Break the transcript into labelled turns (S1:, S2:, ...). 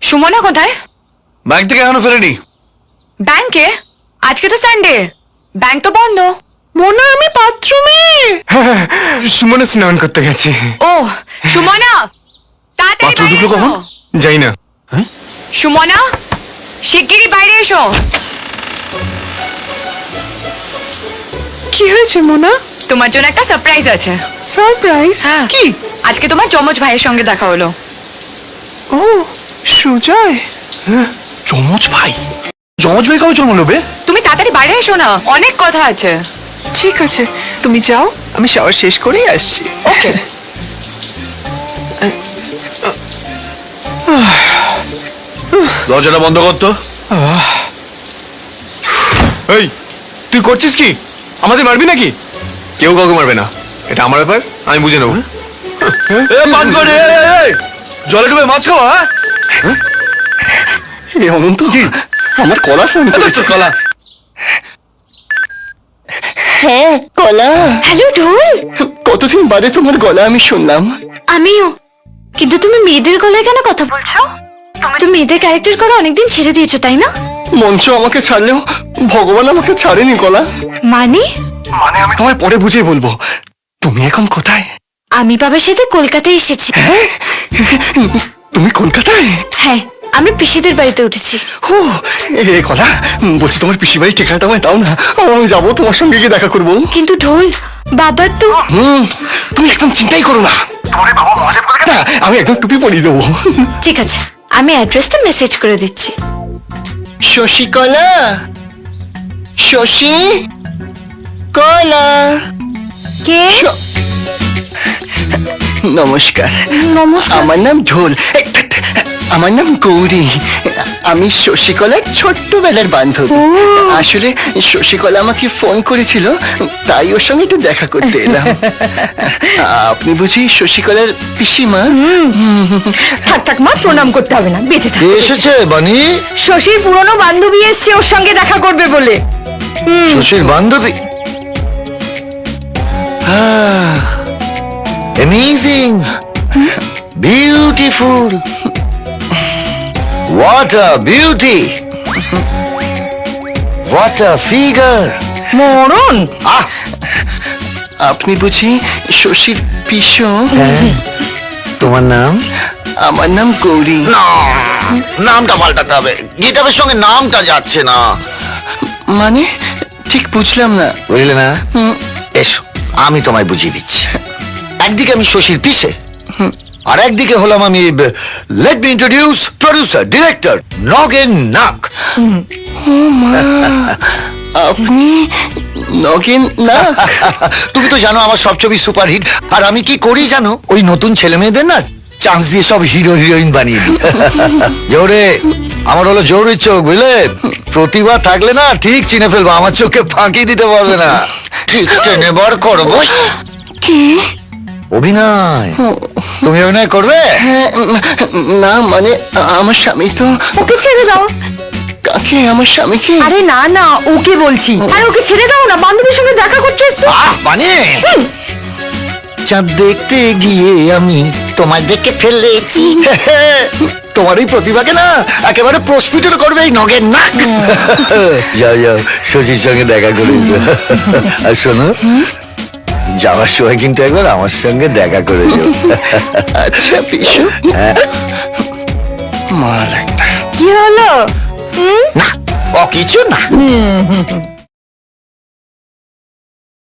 S1: সুমনা কোথায়?
S2: ব্যাংক থেকে এখনো ফেরেনি।
S1: ব্যাংকে? আজকে তো সানডে, ব্যাংক তো বন্ধ।
S3: মোনা আমি বাথরুমে। সুমনা স্নান করতে গেছে।
S1: ও সুমনা, তাড়াতাড়ি
S2: বাথরুম
S1: বাইরে
S2: ঢুকলো
S1: এসো।
S2: কখন?
S3: যাই না।
S1: সুমনা, শিগগিরই বাইরে এসো।
S3: কি হয়েছে মোনা?
S1: তোমার জন্য একটা সারপ্রাইজ আছে।
S3: সারপ্রাইজ?
S1: হ্যাঁ।
S3: কি?
S1: আজকে তোমার যমজ ভাইয়ের সঙ্গে দেখা হলো।
S3: ও সুজয়।
S2: যমজ ভাই? যমজ ভাই কবে জন্ম নেবে?
S1: তুমি তাড়াতাড়ি বাইরে এসো না, অনেক কথা আছে।
S3: ঠিক আছে, তুমি যাও, আমি শাওয়ার শেষ করেই আসছি।
S1: ওকে।
S2: দরজাটা বন্ধ কর তো।
S3: এই তুই করছিস কি? আমাদের মারবি নাকি?
S2: কেউ কাউকে মারবে না, এটা আমার ব্যাপার, আমি বুঝে নেবো। জলে ডুবে মাছ খাওয়া?
S4: অনন্ত আমার কলা ফোন করেছে।
S2: কলা?
S4: হ্যাঁ কলা।
S5: হ্যালো ঢোল।
S4: কতদিন বাদে তোমার গলা আমি শুনলাম।
S5: আমিও। কিন্তু তুমি মেয়েদের গলায় কেন কথা বলছো? তুমি মেয়েদের ক্যারেক্টার করে অনেকদিন ছেড়ে দিয়েছো, তাই না?
S4: মঞ্চ আমাকে ছাড়লেও ভগবান আমাকে ছাড়েনি কলা।
S5: মানে?
S4: আমি তোমায় পরে বুঝিয়ে বলবো। তুমি এখন কোথায়?
S5: আমি বাবার সাথে কলকাতায় এসেছি।
S4: তুমি কলকাতায়?
S5: হ্যাঁ, আমরা পিসিদের বাড়িতে উঠেছি।
S4: ও এ কলা, বলছি তোমার পিসি বাড়ি ঠিকানাটা আমায় দাও না, আমি যাবো তোমার সঙ্গে গিয়ে দেখা করবো।
S5: কিন্তু ঢোল, বাবার তো...
S4: তুমি একদম চিন্তাই করো না, না, আমি একদম টুপি পরিয়ে দেবো।
S5: ঠিক আছে, আমি অ্যাড্রেসটা মেসেজ করে দিচ্ছি।
S4: শশী কলা, শশী কলা।
S5: কে?
S4: নমস্কার।
S5: নমস্কার।
S4: আমার নাম ঢোল। আমার নাম গৌরী। আমি শশীকলার ছোট্টবেলার বান্ধবী। আসলে শশীকলা আমাকে ফোন করেছিল, তাই ওর সঙ্গে একটু দেখা করতে এলাম। আপনি বুঝি শশীকলার পিসিমা?
S5: থাক থাক মা, প্রণাম করতে হবে না, বেঁচে থাক।
S4: এসেছে বানি?
S5: শশীর পুরনো বান্ধবী এসছে ওর সঙ্গে দেখা করবে বলে।
S4: শশীর বান্ধবী? Amazing, beautiful, what a beauty, what a figure.
S5: মরণ।
S4: আপনি বুঝি শশীর পিসো?
S6: তোমার নাম?
S4: আমার নাম গৌরী।
S6: না, নামটা পাল্টাতে হবে, গিটারের সঙ্গে নামটা যাচ্ছে না।
S4: মানে ঠিক বুঝলাম না।
S6: বুঝলে না? এসো আমি তোমায় বুঝিয়ে দিচ্ছি। একদিকে আমি শশীর পিসে, আর একদিকে হলাম আমি, let me introduce, producer, director Nagen নাক।
S4: আপনি নগেন না?
S6: তুমি তো জানো আমার সব ছবি সুপারহিট, আর আমি কি করি জানো? ওই নতুন ছেলে মেয়েদের না চান্স দিয়ে সব হিরো হিরোইন বানিয়ে দিই। জোরে, আমার হলো জোরের চোখ, বুঝলে? প্রতিভা থাকলে না ঠিক চিনে ফেলবো, আমার চোখে ফাঁকি দিতে পারবে না, ঠিক টেনে বার করবো।
S4: কি
S6: অভিনয়? তুমি অভিনয় করবে?
S4: না মানে আমার স্বামী তো।
S5: ওকে ছেড়ে দাও।
S4: কাকে? আমার স্বামীকে?
S5: আরে না না, ওকে বলছি। আরে ওকে ছেড়ে দাও না, বান্ধবীর সঙ্গে দেখা করতে এসছো।
S6: মানে চাঁদ দেখতে গিয়ে আমি তোমায় দেখে ফেলেছি। তোমার এই প্রতিভাকে না একেবারে প্রস্ফুটিত করবে এই নগেন নাক। যাও যাও, শশীর সঙ্গে দেখা করে এসো। আর শোনো, যাওয়ার সময় কিন্তু একবার আমার সঙ্গে দেখা করে যাও।
S4: আচ্ছা পিসু। মাল একটা।
S5: কি হলো?
S6: না, ও কিছু না।